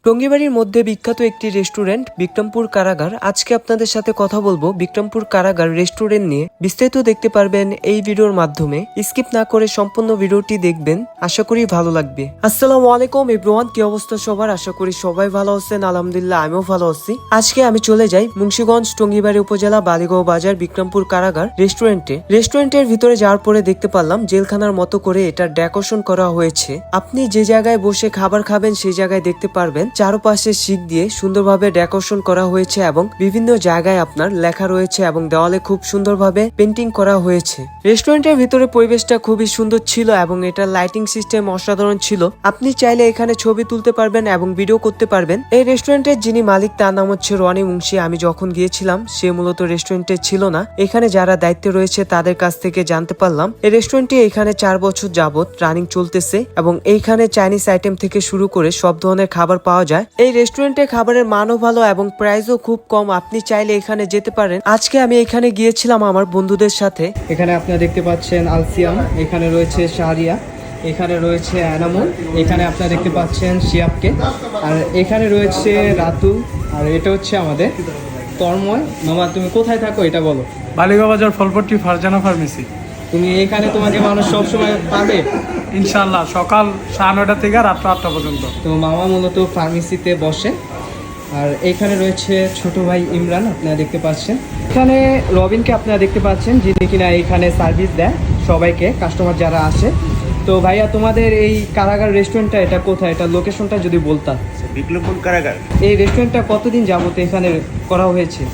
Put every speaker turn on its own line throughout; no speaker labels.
টঙ্গীবাড়ির মধ্যে বিখ্যাত একটি রেস্টুরেন্ট বিক্রমপুর কারাগার। আজকে আপনাদের সাথে কথা বলবো বিক্রমপুর কারাগার রেস্টুরেন্ট নিয়ে। বিস্তারিত দেখতে পারবেন এই ভিডিওর মাধ্যমে। স্কিপ না করে সম্পূর্ণ ভিডিওটি দেখবেন, আশা করি ভালো লাগবে। আসসালামু আলাইকুম এভরিওয়ান, কি অবস্থা সবার? আশা করি সবাই ভালো আছেন। আলহামদুলিল্লাহ আমিও ভালো আছি। আজকে আমি চলে যাই মুন্সিগঞ্জ টঙ্গীবাড়ি উপজেলা বালিগাঁও বাজার বিক্রমপুর কারাগার রেস্টুরেন্টের ভিতরে যাওয়ার পরে দেখতে পারলাম জেলখানার মতো করে এটা ডেকোরেশন করা হয়েছে। আপনি যে জায়গায় বসে খাবার খাবেন সেই জায়গায় দেখতে পারবেন চারপাশে শিক দিয়ে সুন্দরভাবে ডেকোরেশন করা হয়েছে এবং বিভিন্ন জায়গায় আপনার লেখা রয়েছে এবং দেওয়ালে খুব সুন্দরভাবে পেন্টিং করা হয়েছে। রেস্টুরেন্টের ভিতরে পরিবেশটা খুবই সুন্দর ছিল এবং এটা লাইটিং সিস্টেম অসাধারণ ছিল। আপনি চাইলে এখানে ছবি তুলতে পারবেন এবং ভিডিও করতে পারবেন। এই রেস্টুরেন্টের যিনি মালিক তার নাম হচ্ছে রনি মুন্সি। আমি যখন গিয়েছিলাম সে মূলত রেস্টুরেন্টে ছিল না। এখানে যারা দায়িত্বে রয়েছে তাদের কাছ থেকে জানতে পারলাম এই রেস্টুরেন্টটি এখানে 4 বছর যাবত রানিং চলতেছে এবং এইখানে চাইনিজ আইটেম থেকে শুরু করে সব ধরনের খাবার পাওয়া যায়। এই রেস্টুরেন্টে খাবারের মানও ভালো এবং প্রাইসও খুব কম। আপনি চাইলে এখানে যেতে পারেন। আজকে আমি এখানে গিয়েছিলাম আমার বন্ধুদের সাথে।
এখানে আপনারা দেখতে পাচ্ছেন আলসিয়াম, এখানে রয়েছে শাহরিয়া, এখানে রয়েছে এনামুল, এখানে আপনারা দেখতে পাচ্ছেন শিয়াবকে, আর এখানে রয়েছে রাতুল, আর এটা হচ্ছে আমাদের তন্ময়। মামা তুমি কোথায় থাকো এটা বলো।
বালিগাঁও বাজার ফলপট্টি ফারজানা ফার্মেসি।
তুমি এখানে তোমাকে মানুষ সবসময় পাবে
ইনশাআল্লাহ, সকাল 9:30 থেকে রাত 8টা পর্যন্ত।
তো মামা মূলত ফার্মেসিতে বসে। আর এখানে রয়েছে ছোট ভাই ইমরান, আপনারা দেখতে পাচ্ছেন। এখানে রবিনকে আপনারা দেখতে পাচ্ছেন, যিনি কিনা এখানে সার্ভিস দেয় সবাইকে, কাস্টমার যারা আসে। তো ভাইয়া তোমাদের এই কারাগার রেস্টুরেন্টটা এটা কোথায়, এটা লোকেশনটা যদি বলতাম।
বিক্রমপুর কারাগার।
এই রেস্টুরেন্টটা কতদিন যাবত এখানে করা হয়েছে?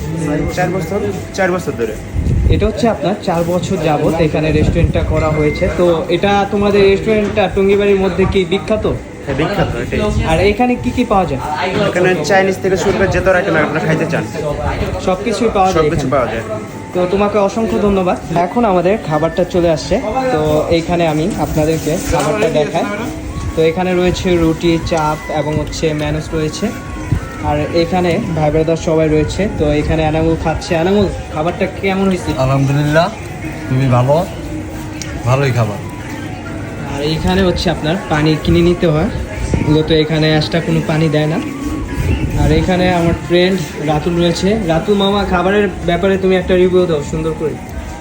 4 বছর ধরে।
এটা হচ্ছে আপনার 4 বছর যাবত এখানে রেস্টুরেন্টটা করা হয়েছে। তো এটা তোমাদের রেস্টুরেন্টটা টঙ্গীবাড়ির মধ্যে কি বিখ্যাত?
হ্যাঁ, বিখ্যাত এটাই।
আর এখানে কি কি পাওয়া যায়?
এখানে চাইনিজ থেকে শুরু করে যত আইটেম আপনারা খাইতে চান
সবকিছুই পাওয়া যায়
সবকিছু
এখানে?
পাওয়া যায়।
তো তোমাকে অসংখ্য ধন্যবাদ। এখন আমাদের খাবারটা চলে আসছে। তো এইখানে আমি আপনাদেরকে খাবারটা দেখাই। তো এখানে রয়েছে রুটি, চাপ এবং হচ্ছে ম্যানুস রয়েছে। আর এখানে ভাই ব্রাদার সবাই রয়েছে। তো এখানে এনামুল খাচ্ছে। এনামুল, খাবারটা কেমন হয়েছে?
আলহামদুলিল্লাহ, খুবই ভালোই খাবার।
আর এইখানে হচ্ছে আপনার পানি কিনে নিতে হয়, মূলত এখানে এক্সট্রা কোনো পানি দেয় না। আর এখানে আমার ফ্রেন্ড রাতুল রয়েছে। রাতুল মামা, খাবারের ব্যাপারে তুমি একটা রিভিউ দাও সুন্দর করে।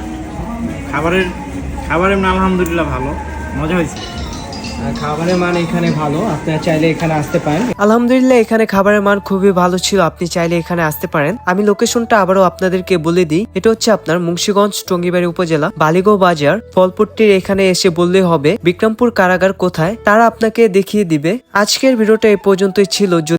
খাবারের মান আলহামদুলিল্লাহ ভালো, মজা হয়েছে।
আর খাবারের মান এখানে ভালো, আপনারা চাইলে এখানে আসতে পারেন।
আলহামদুলিল্লাহ এখানে খাবারের মান খুবই ভালো ছিল। আপনি চাইলে এখানে আসতে পারেন। আমি লোকেশনটা আবারও আপনাদেরকে বলে দিই। এটা হচ্ছে আপনার মুন্সিগঞ্জ টঙ্গীবাড়ি উপজেলা বালিগাঁও বাজার ফলপট্টির। এখানে এসে বললে হবে বিক্রমপুর কারাগার কোথায়, তারা আপনাকে দেখিয়ে দিবে। আজকের ভিডিওটা এই পর্যন্তই ছিল।